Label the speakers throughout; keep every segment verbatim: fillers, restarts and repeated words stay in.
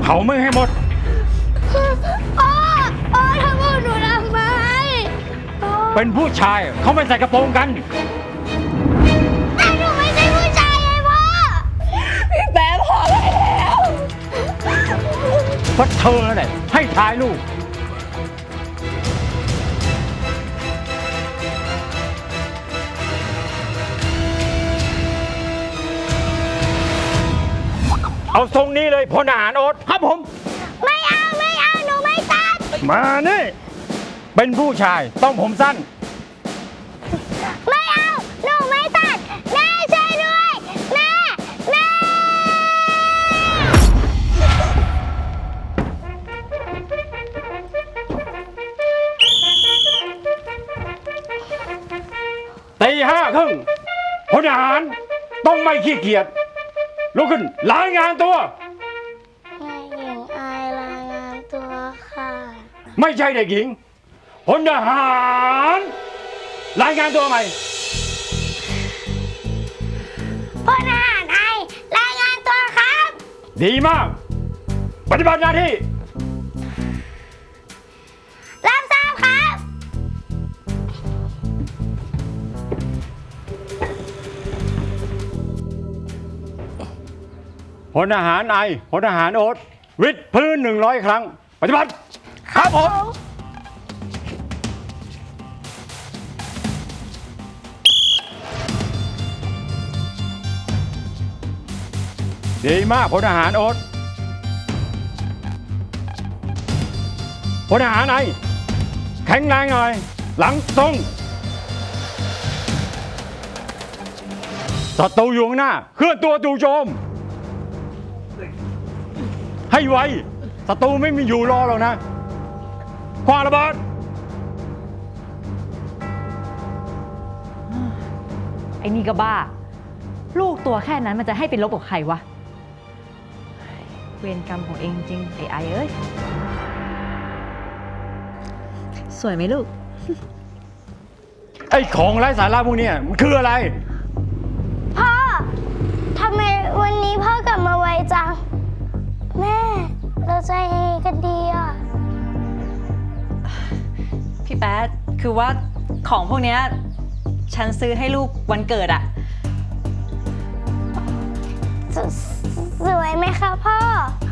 Speaker 1: ผามึงให้หมด
Speaker 2: พ่อพ่อทำกับหนูทำไม
Speaker 1: เป็นผู้ชายเขาไม่ใส่กระโปรงกัน
Speaker 2: แต่หนูไม่ใช่ผู้ชายไงพ่อพี่แป๊บพอได้แล้ว
Speaker 1: เพราะเธอแหละให้ทายลูกเอาทรงนี้เลยพลทหารโอ๊ตครับผม
Speaker 2: ไม่เอาไม่เอาหนูไม่ตัด
Speaker 1: มานี่เป็นผู้ชายต้องผมสั้น
Speaker 2: ไม่เอาหนูไม่ตัดแม่ช่วยด้วยแม่แม่
Speaker 1: ตีห้าครึ่งพลทหารต้องไม่ขี้เกียจลุกขึ้นรายงานตัวน
Speaker 2: ายหญิงอายรายงานตัวค่ะ
Speaker 1: ไม่ใช่เด็กหญิงพลทหารรายงานตัวใหม่
Speaker 2: พลทหารอายรายงานตัวครับ
Speaker 1: ดีมากปฏิบัติหน้าที่
Speaker 2: รับทราบครับ
Speaker 1: พลทหารไอพลทหารโอ๊ตวิดพื้นหนึ่งร้อยครั้งปฏิบัติครับผมดีมากพลทหารโอ๊ตพลทหารไอแข็งแรงหน่อยหลังตรงศัตรูอยู่ข้างหน้าเคลื่อนตัวจู่โจมให้ไวศัตรูไม่มีอยู่รอหรอกนะคว้างระเบิด
Speaker 3: ไอ้นี่ก็บ้าลูกตัวแค่นั้นมันจะให้เป็นลบกับใครวะเวรกรรมของเองจริงไอ้ไอเอ้ยสวยไหมลูก
Speaker 1: ไอ้ของไร้สาระพวกนี้มันคืออะไร
Speaker 2: พ่อทำไมวันนี้พ่อกลับมาไวจังแม่เราใจกันดีอ่ะ
Speaker 3: พี่แป๊ดคือว่าของพวกนี้ฉันซื้อให้ลูกวันเกิดอะ
Speaker 2: สสวยไหมคะพ่อ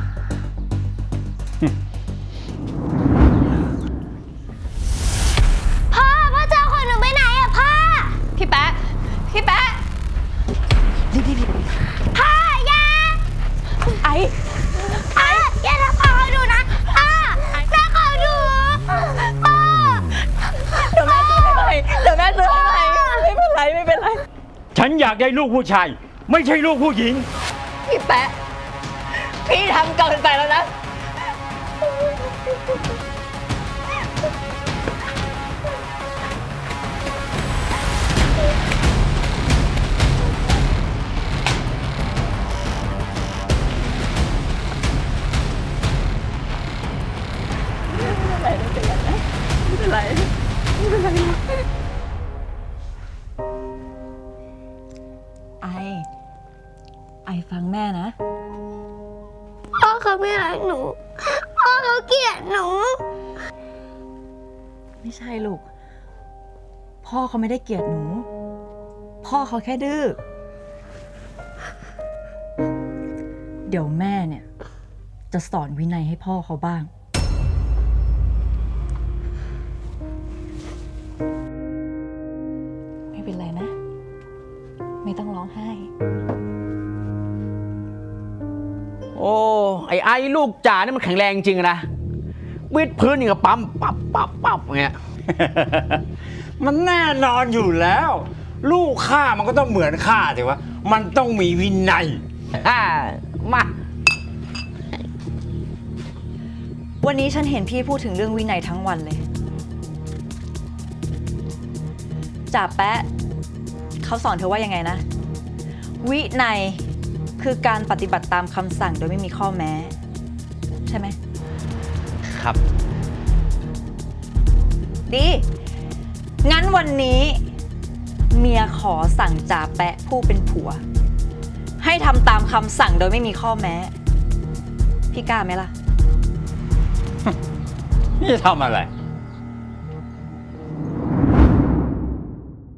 Speaker 2: พ่อพ่อจะเอาของหนูไปไหนอะพ่อ
Speaker 3: พี่แป๊ดพี่แป๊ด
Speaker 2: พ่ออย่า
Speaker 3: ไอ
Speaker 2: ไอ้อย่าทำของหนูนะพ่อแม่ของหนูพ่อ
Speaker 3: เดี๋ยวแม่ซื้อให้ใหม่เดี๋ยวแม่ซื้อให้ใหม่ไม่เป็นไรไม่เป็นไร
Speaker 1: ฉันอยากได้ลูกผู้ชายไม่ใช่ลูกผู้หญิง
Speaker 3: พี่แป๊ะพี่ทำเกินไปแล้วนะไม่เป็นไรไม่เป็นไรไม่เป็นไรไอไอฟังแม่นะ
Speaker 2: พ่อเขาไม่รักหนูพ่อเขาเกลียดหนู
Speaker 3: ไม่ใช่ลูกพ่อเขาไม่ได้เกลียดหนูพ่อเขาแค่ดื้อเดี๋ยวแม่เนี่ยจะสอนวินัยให้พ่อเขาบ้างไม่เป็นไรนะไม่ต้องร้องไห้
Speaker 4: โอ้ไอ้ไอ้ลูกจ่านี่มันแข็งแรงจริงนะวิดพื้นอย่างกับปั๊มปั๊บปั๊บปั๊บอย่างเงี้ย
Speaker 1: มันแน่นอนอยู่แล้ว ลูกข้ามันก็ต้องเหมือนข้าสิวะมันต้องมีวินัย
Speaker 4: มา
Speaker 3: วันนี้ฉันเห็นพี่พูดถึงเรื่องวินัยทั้งวันเลยจ่าแป๊ะเขาสอนเธอว่ายังไงนะวินัยคือการปฏิบัติตามคำสั่งโดยไม่มีข้อแม้ใช่ไหม
Speaker 4: ครับ
Speaker 3: ดีงั้นวันนี้เมียขอสั่งจ่าแปะผู้เป็นผัวให้ทำตามคำสั่งโดยไม่มีข้อแม้พี่กล้าไหมล่ะ
Speaker 1: นี่จะทำอะไร